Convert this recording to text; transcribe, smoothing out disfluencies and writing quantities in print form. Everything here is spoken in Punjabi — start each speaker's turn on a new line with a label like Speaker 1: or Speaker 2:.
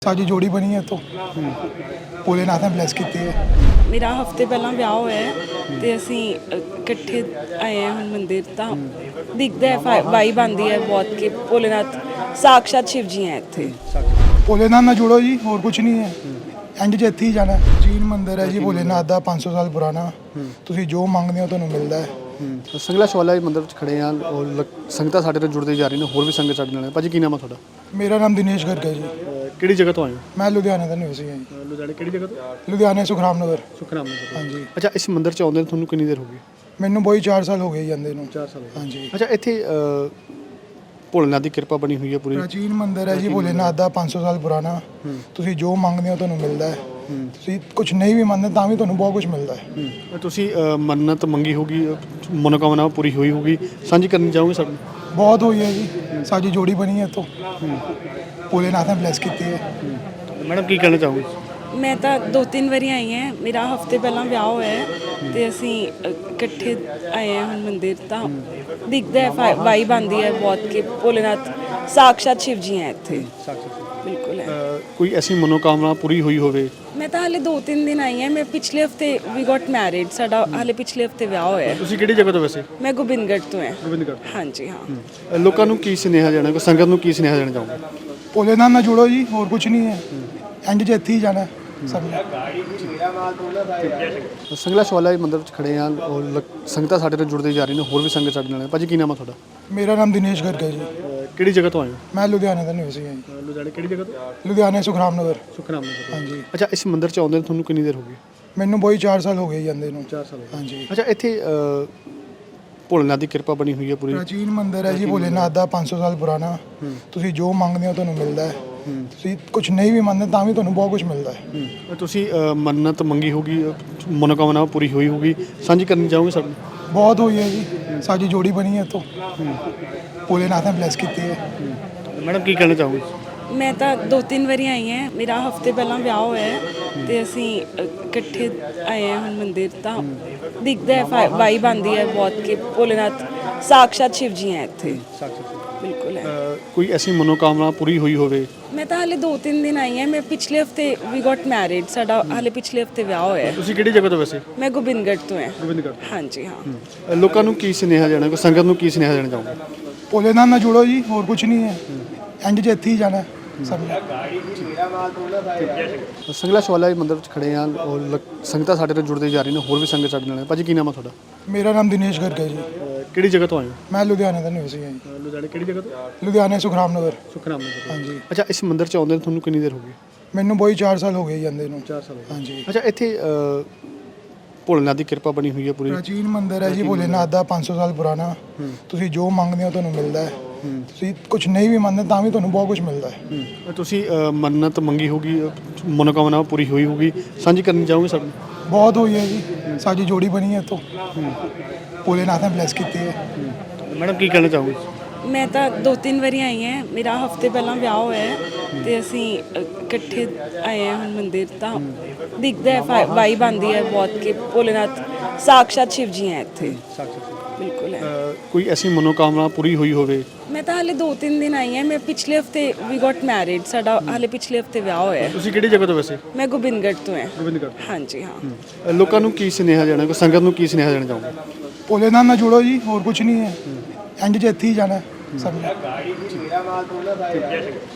Speaker 1: ਸਾਡੀ ਜੋੜੀ ਬਣੀ ਹੈ ਤੋਂ ਭੋਲੇਨਾਥ ਨੇ ਬਲੈਸ ਕੀਤੀ ਹੈ।
Speaker 2: ਮੇਰਾ ਹਫਤੇ ਪਹਿਲਾਂ ਵਿਆਹ ਹੋਇਆ ਹੈ ਤੇ ਅਸੀਂ ਇਕੱਠੇ ਆਏ ਹਾਂ ਹੁਣ ਮੰਦਿਰ ਤਾਂ ਦਿਖਦਾ ਹੈ ਵਾਈਬ ਆਉਂਦੀ ਹੈ ਬਹੁਤ ਕਿ ਭੋਲੇਨਾਥ ਸਾਕਸ਼ਾਤ ਸ਼ਿਵ ਜੀ ਹੈ ਇੱਥੇ।
Speaker 1: ਭੋਲੇਨਾਥ ਨਾਲ ਜੁੜੋ ਜੀ, ਹੋਰ ਕੁਝ ਨਹੀਂ ਹੈ। ਐਂਡ 'ਚ ਇੱਥੇ ਹੀ ਜਾਣਾ। ਜੀਨ ਮੰਦਿਰ ਹੈ ਜੀ ਭੋਲੇਨਾਥ ਦਾ 500 ਸਾਲ ਪੁਰਾਣਾ। ਤੁਸੀਂ ਜੋ ਮੰਗਦੇ ਹੋ ਤੁਹਾਨੂੰ ਮਿਲਦਾ ਹੈ।
Speaker 3: ਸੰਗਲਾ ਸ਼ਵਾਲਾ ਮੰਦਿਰ ਵਿੱਚ ਖੜੇ ਹਾਂ ਔਰ ਸੰਗਤਾਂ ਸਾਡੇ ਨਾਲ ਜੁੜਦੇ ਜਾ ਰਹੀਆਂ ਨੇ, ਹੋਰ ਵੀ ਸੰਗਤ ਸਾਡੇ ਨਾਲ ਹੈ। ਭਾਜੀ ਕੀ ਨਾਮ ਹੈ ਤੁਹਾਡਾ?
Speaker 1: ਮੇਰਾ ਨਾਮ ਦਿਨੇਸ਼ ਗਰਗ ਹੈ ਜੀ।
Speaker 3: ਕਿਹੜੀ ਜਗ੍ਹਾ ਤੋਂ ਆਏ ਹੋ?
Speaker 1: ਮੈਂ ਲੁਧਿਆਣੇ ਦਾ ਨਿਵਾਸੀ ਹਾਂ ਜੀ।
Speaker 3: ਲੁਧਿਆਣੇ ਕਿਹੜੀ ਜਗ੍ਹਾ ਤੋਂ?
Speaker 1: ਲੁਧਿਆਣੇ ਸੁਖਰਾਮ ਨਗਰ।
Speaker 3: ਸੁਖਨਾਮ ਨਗਰ।
Speaker 1: ਹਾਂਜੀ।
Speaker 3: ਅੱਛਾ, ਇਸ ਮੰਦਿਰ 'ਚ ਆਉਂਦੇ ਤੁਹਾਨੂੰ ਕਿੰਨੀ ਦੇਰ ਹੋ ਗਈ?
Speaker 1: ਮੈਨੂੰ ਬਈ 4 ਸਾਲ ਹੋ ਗਏ ਜਾਂਦੇ ਨੂੰ।
Speaker 3: 4 ਸਾਲ।
Speaker 1: ਹਾਂਜੀ।
Speaker 3: ਅੱਛਾ, ਇੱਥੇ ਭੋਲੇਨਾਥ ਦੀ ਕਿਰਪਾ ਬਣੀ ਹੋਈ ਹੈ ਪੂਰੀ।
Speaker 1: ਪ੍ਰਾਚੀਨ ਮੰਦਿਰ ਹੈ ਜੀ ਭੋਲੇਨਾਥ ਦਾ 500 ਸਾਲ ਪੁਰਾਣਾ। ਤੁਸੀਂ ਜੋ ਮੰਗਦੇ ਹੋ ਤੁਹਾਨੂੰ ਮਿਲਦਾ ਹੈ। ਤੁਸੀਂ ਕੁਝ ਨਹੀਂ ਵੀ ਮੰਨਦੇ ਤਾਂ ਵੀ ਤੁਹਾਨੂੰ ਬਹੁਤ ਕੁਝ ਮਿਲਦਾ ਹੈ।
Speaker 3: ਤੁਸੀਂ ਮੰਨਤ ਮੰਗੀ ਹੋਗੀ, ਮਨੋਕਾਮਨਾ ਪੂਰੀ ਹੋਈ ਹੋਗੀ, ਸਾਂਝੀ ਕਰਨੀ ਚਾਹੋਗੇ ਸਾਡੇ ਨਾਲ?
Speaker 1: ਬਹੁਤ ਹੋਈ ਹੈ ਜੀ। ਸਾਡੀ ਜੋੜੀ ਬਣੀ ਹੈ ਤੋਂ ਭੋਲੇਨਾਥ ਨੇ ਬਲੈਸ ਕੀਤੀ ਹੈ।
Speaker 3: ਮੈਡਮ ਕੀ ਕਹਿਣਾ ਚਾਹੋਗੇ?
Speaker 2: ਮੈਂ ਤਾਂ 2-3 ਵਾਰੀ ਆਈ ਹਾਂ। ਮੇਰਾ ਹਫਤੇ ਪਹਿਲਾਂ ਵਿਆਹ ਹੋਇਆ ਹੈ ਤੇ ਅਸੀਂ ਇਕੱਠੇ ਆਏ ਹਾਂ ਹੁਣ ਮੰਦਿਰ ਤਾਂ ਦਿਖਦਾ ਹੈ ਵਾਈਬ ਆਉਂਦੀ ਹੈ ਬਹੁਤ ਕਿ ਭੋਲੇਨਾਥ ਸਾਕਸ਼ਾਤ ਸ਼ਿਵ ਜੀ ਹੈ ਇੱਥੇ। ਬਿਲਕੁਲ ਹੈ।
Speaker 3: ਕੋਈ ਐਸੀ ਮਨੋਕਾਮਨਾ ਪੂਰੀ ਹੋਈ ਹੋਵੇ?
Speaker 2: ਮੈਂ ਤਾਂ ਹਾਲੇ 2-3 ਦਿਨ ਆਈ ਹਾਂ। ਮੈਂ ਪਿਛਲੇ ਹਫਤੇ ਵੀ ਗੋਟ ਮੈਰਿਡ। ਸਾਡਾ ਹਾਲੇ ਪਿਛਲੇ ਹਫਤੇ ਵਿਆਹ ਹੋਇਆ ਹੈ।
Speaker 3: ਤੁਸੀਂ ਕਿਹੜੀ ਜਗ੍ਹਾ ਤੋਂ ਵੈਸੇ?
Speaker 2: ਮੈਂ ਗੋਬਿੰਦਗੜ੍ਹ ਤੋਂ ਹਾਂ।
Speaker 3: ਗੋਬਿੰਦਗੜ੍ਹ।
Speaker 2: ਹਾਂਜੀ ਹਾਂ।
Speaker 3: ਲੋਕਾਂ ਨੂੰ ਕੀ ਸੁਨੇਹਾ ਦੇਣਾ, ਸੰਗਤ ਨੂੰ ਕੀ ਸੁਨੇਹਾ ਦੇਣਾ ਚਾਹੋਗੇ?
Speaker 1: ਭੋਲੇਨਾਥ ਨਾਲ ਜੁੜੋ ਜੀ, ਹੋਰ ਕੁਝ ਨਹੀਂ ਹੈ। ਐਂਡ 'ਚ ਇੱਥੇ ਹੀ ਜਾਣਾ ਸਭ ਨੇ।
Speaker 3: ਸੰਗਲਾ ਸ਼ਵਾਲਾ ਮੰਦਿਰ ਵਿੱਚ ਖੜੇ ਹਾਂ ਔਰ ਸੰਗਤਾਂ ਸਾਡੇ ਨਾਲ ਜੁੜਦੇ ਜਾ ਰਹੀਆਂ ਨੇ, ਹੋਰ ਵੀ ਸੰਗਤ ਸਾਡੇ ਨਾਲ ਹੈ। ਭਾਜੀ ਕੀ ਨਾਮ ਹੈ ਤੁਹਾਡਾ?
Speaker 1: ਮੇਰਾ ਨਾਮ ਦਿਨੇਸ਼ ਗਰਗ ਹੈ ਜੀ।
Speaker 3: ਕਿਹੜੀ ਜਗ੍ਹਾ ਤੋਂ ਆਏ ਹੋ?
Speaker 1: ਮੈਂ ਲੁਧਿਆਣੇ ਦਾ ਨਿਵਾਸੀ ਹਾਂ ਜੀ।
Speaker 3: ਲੁਧਿਆਣੇ ਕਿਹੜੀ ਜਗ੍ਹਾ ਤੋਂ?
Speaker 1: ਲੁਧਿਆਣੇ ਸੁਖਰਾਮ ਨਗਰ।
Speaker 3: ਸੁਖਨਾਮ ਨਗਰ।
Speaker 1: ਹਾਂਜੀ।
Speaker 3: ਅੱਛਾ, ਇਸ ਮੰਦਿਰ 'ਚ ਆਉਂਦੇ ਤੁਹਾਨੂੰ ਕਿੰਨੀ ਦੇਰ ਹੋ ਗਈ?
Speaker 1: ਮੈਨੂੰ ਬਈ 4 ਸਾਲ ਹੋ ਗਏ ਜਾਂਦੇ ਨੂੰ।
Speaker 3: 4 ਸਾਲ।
Speaker 1: ਹਾਂਜੀ।
Speaker 3: ਅੱਛਾ, ਇੱਥੇ ਭੋਲੇਨਾਥ ਦੀ ਕਿਰਪਾ ਬਣੀ ਹੋਈ ਹੈ ਪੂਰੀ।
Speaker 1: ਪ੍ਰਾਚੀਨ ਮੰਦਿਰ ਹੈ ਜੀ ਭੋਲੇਨਾਥ ਦਾ 500 ਸਾਲ ਪੁਰਾਣਾ। ਤੁਸੀਂ ਜੋ ਮੰਗਦੇ ਹੋ ਤੁਹਾਨੂੰ ਮਿਲਦਾ ਹੈ। ਤੁਸੀਂ ਕੁਝ ਨਹੀਂ ਵੀ ਮੰਨਦੇ ਤਾਂ ਵੀ ਤੁਹਾਨੂੰ ਬਹੁਤ ਕੁਝ ਮਿਲਦਾ ਹੈ।
Speaker 3: ਤੁਸੀਂ ਮੰਨਤ ਮੰਗੀ ਹੋਗੀ, ਮਨੋਕਾਮਨਾ ਪੂਰੀ ਹੋਈ ਹੋਗੀ, ਸਾਂਝੀ ਕਰਨੀ ਚਾਹੋਗੇ ਸਾਡੇ ਨਾਲ?
Speaker 1: ਬਹੁਤ ਹੋਈ ਹੈ ਜੀ। ਸਾਡੀ ਜੋੜੀ ਬਣੀ ਹੈ ਤੋਂ ਭੋਲੇਨਾਥ ਨੇ ਬਲੈਸ ਕੀਤੀ ਹੈ।
Speaker 3: ਮੈਡਮ ਕੀ ਕਹਿਣਾ ਚਾਹੋਗੇ?
Speaker 2: ਮੈਂ ਤਾਂ 2-3 ਵਾਰੀ ਆਈ ਹਾਂ। ਮੇਰਾ ਹਫਤੇ ਪਹਿਲਾਂ ਵਿਆਹ ਹੋਇਆ ਹੈ ਤੇ ਅਸੀਂ ਇਕੱਠੇ ਆਏ ਹਾਂ ਹੁਣ ਮੰਦਿਰ ਤਾਂ ਦਿਖਦਾ ਹੈ ਵਾਈਬ ਆਉਂਦੀ ਹੈ ਬਹੁਤ ਕਿ ਭੋਲੇਨਾਥ ਸਾਕਸ਼ਾਤ ਸ਼ਿਵ ਜੀ ਹੈ ਇੱਥੇ। ਬਿਲਕੁਲ ਹੈ।
Speaker 3: ਕੋਈ ਐਸੀ ਮਨੋਕਾਮਨਾ ਪੂਰੀ ਹੋਈ ਹੋਵੇ?
Speaker 2: ਮੈਂ ਤਾਂ ਹਾਲੇ 2-3 ਦਿਨ ਆਈ ਹਾਂ। ਮੈਂ ਪਿਛਲੇ ਹਫਤੇ ਵੀ ਗੋਟ ਮੈਰਿਡ। ਸਾਡਾ ਹਾਲੇ ਪਿਛਲੇ ਹਫਤੇ ਵਿਆਹ ਹੋਇਆ ਹੈ।
Speaker 3: ਤੁਸੀਂ ਕਿਹੜੀ ਜਗ੍ਹਾ ਤੋਂ ਵੈਸੇ?
Speaker 2: ਮੈਂ ਗੋਬਿੰਦਗੜ੍ਹ ਤੋਂ ਹਾਂ।
Speaker 3: ਗੋਬਿੰਦਗੜ੍ਹ।
Speaker 2: ਹਾਂਜੀ ਹਾਂ।
Speaker 3: ਲੋਕਾਂ ਨੂੰ ਕੀ ਸੁਨੇਹਾ ਦੇਣਾ, ਸੰਗਤ ਨੂੰ ਕੀ ਸੁਨੇਹਾ ਦੇਣਾ ਚਾਹੋਗੇ?
Speaker 1: ਭੋਲੇਨਾਥ ਨਾਲ ਜੁੜੋ ਜੀ, ਹੋਰ ਕੁਝ ਨਹੀਂ ਹੈ। ਐਂਡ 'ਚ ਇੱਥੇ ਹੀ ਜਾਣਾ ਸਭ ਨੇ।
Speaker 3: ਸੰਗਲਾ ਸ਼ਵਾਲਾ ਮੰਦਿਰ ਵਿੱਚ ਖੜੇ ਹਾਂ ਔਰ ਸੰਗਤਾਂ ਸਾਡੇ ਨਾਲ ਜੁੜਦੇ ਜਾ ਰਹੀਆਂ ਨੇ, ਹੋਰ ਵੀ ਸੰਗਤ ਸਾਡੇ ਨਾਲ ਹੈ। ਭਾਜੀ ਕੀ ਨਾਮ ਹੈ ਤੁਹਾਡਾ?
Speaker 1: ਮੇਰਾ ਨਾਮ ਦਿਨੇਸ਼ ਗਰਗ ਹੈ ਜੀ।
Speaker 3: ਕਿਹੜੀ ਜਗ੍ਹਾ ਤੋਂ ਆਏ ਹੋ?
Speaker 1: ਮੈਂ ਲੁਧਿਆਣੇ ਦਾ ਨਿਵਾਸੀ ਹਾਂ ਜੀ।
Speaker 3: ਲੁਧਿਆਣੇ ਕਿਹੜੀ ਜਗ੍ਹਾ ਤੋਂ?
Speaker 1: ਲੁਧਿਆਣੇ ਸੁਖਰਾਮ ਨਗਰ।
Speaker 3: ਸੁਖਨਾਮ ਨਗਰ।
Speaker 1: ਹਾਂਜੀ।
Speaker 3: ਅੱਛਾ, ਇਸ ਮੰਦਿਰ 'ਚ ਆਉਂਦੇ ਤੁਹਾਨੂੰ ਕਿੰਨੀ ਦੇਰ ਹੋ ਗਈ?
Speaker 1: ਮੈਨੂੰ ਬਈ 4 ਸਾਲ ਹੋ ਗਏ ਜਾਂਦੇ ਨੂੰ।
Speaker 3: 4 ਸਾਲ।
Speaker 1: ਹਾਂਜੀ।
Speaker 3: ਅੱਛਾ, ਇੱਥੇ ਭੋਲੇਨਾਥ ਦੀ ਕਿਰਪਾ ਬਣੀ ਹੋਈ ਹੈ ਪੂਰੀ।
Speaker 1: ਪ੍ਰਾਚੀਨ ਮੰਦਿਰ ਹੈ ਜੀ ਭੋਲੇਨਾਥ ਦਾ 500 ਸਾਲ ਪੁਰਾਣਾ। ਤੁਸੀਂ ਜੋ ਮੰਗਦੇ ਹੋ ਤੁਹਾਨੂੰ ਮਿਲਦਾ ਹੈ। ਤੁਸੀਂ ਕੁਝ ਨਹੀਂ ਵੀ ਮੰਨਦੇ ਤਾਂ ਵੀ ਤੁਹਾਨੂੰ ਬਹੁਤ ਕੁਝ ਮਿਲਦਾ ਹੈ।
Speaker 3: ਤੁਸੀਂ ਮੰਨਤ ਮੰਗੀ ਹੋਗੀ, ਮਨੋਕਾਮਨਾ ਪੂਰੀ ਹੋਈ ਹੋਗੀ, ਸਾਂਝੀ ਕਰਨੀ ਚਾਹੋਗੇ ਸਾਡੇ ਨਾਲ?
Speaker 1: ਬਹੁਤ ਹੋਈ ਹੈ ਜੀ। ਸਾਡੀ ਜੋੜੀ ਬਣੀ ਹੈ ਤੋਂ ਭੋਲੇਨਾਥ ਨੇ ਬਲੈਸ ਕੀਤੀ ਹੈ।
Speaker 3: ਮੈਡਮ ਕੀ ਕਹਿਣਾ ਚਾਹੋਗੇ?
Speaker 2: ਮੈਂ ਤਾਂ 2-3 ਵਾਰੀ ਆਈ ਹਾਂ। ਮੇਰਾ ਹਫਤੇ ਪਹਿਲਾਂ ਵਿਆਹ ਹੋਇਆ ਹੈ ਤੇ ਅਸੀਂ ਇਕੱਠੇ ਆਏ ਹਾਂ ਹੁਣ ਮੰਦਿਰ ਤਾਂ ਦਿਖਦਾ ਹੈ ਵਾਈਬ ਆਉਂਦੀ ਹੈ ਬਹੁਤ ਕਿ ਭੋਲੇਨਾਥ ਸਾਕਸ਼ਾਤ ਸ਼ਿਵ ਜੀ ਹੈ ਇੱਥੇ। ਬਿਲਕੁਲ ਹੈ।
Speaker 3: ਕੋਈ ਐਸੀ ਮਨੋਕਾਮਨਾ ਪੂਰੀ ਹੋਈ ਹੋਵੇ?
Speaker 2: ਮੈਂ ਤਾਂ ਹਾਲੇ 2-3 ਦਿਨ ਆਈ ਹਾਂ। ਮੈਂ ਪਿਛਲੇ ਹਫਤੇ ਵੀ ਗੋਟ ਮੈਰਿਡ। ਸਾਡਾ ਹਾਲੇ ਪਿਛਲੇ ਹਫਤੇ ਵਿਆਹ ਹੋਇਆ ਹੈ।
Speaker 3: ਤੁਸੀਂ ਕਿਹੜੀ ਜਗ੍ਹਾ ਤੋਂ ਵੈਸੇ?
Speaker 2: ਮੈਂ ਗੋਬਿੰਦਗੜ੍ਹ ਤੋਂ ਹਾਂ।
Speaker 3: ਗੋਬਿੰਦਗੜ੍ਹ।
Speaker 2: ਹਾਂਜੀ ਹਾਂ।
Speaker 3: ਲੋਕਾਂ ਨੂੰ ਕੀ ਸੁਨੇਹਾ ਦੇਣਾ, ਸੰਗਤ ਨੂੰ ਕੀ ਸੁਨੇਹਾ ਦੇਣਾ ਚਾਹੋਗੇ?
Speaker 1: ਭੋਲੇਨਾਥ ਨਾਲ ਜੁੜੋ ਜੀ, ਹੋਰ ਕੁਝ ਨਹੀਂ ਹੈ। ਐਂਡ 'ਚ ਇੱਥੇ ਹੀ ਜਾਣਾ ਸਭ ਨੇ।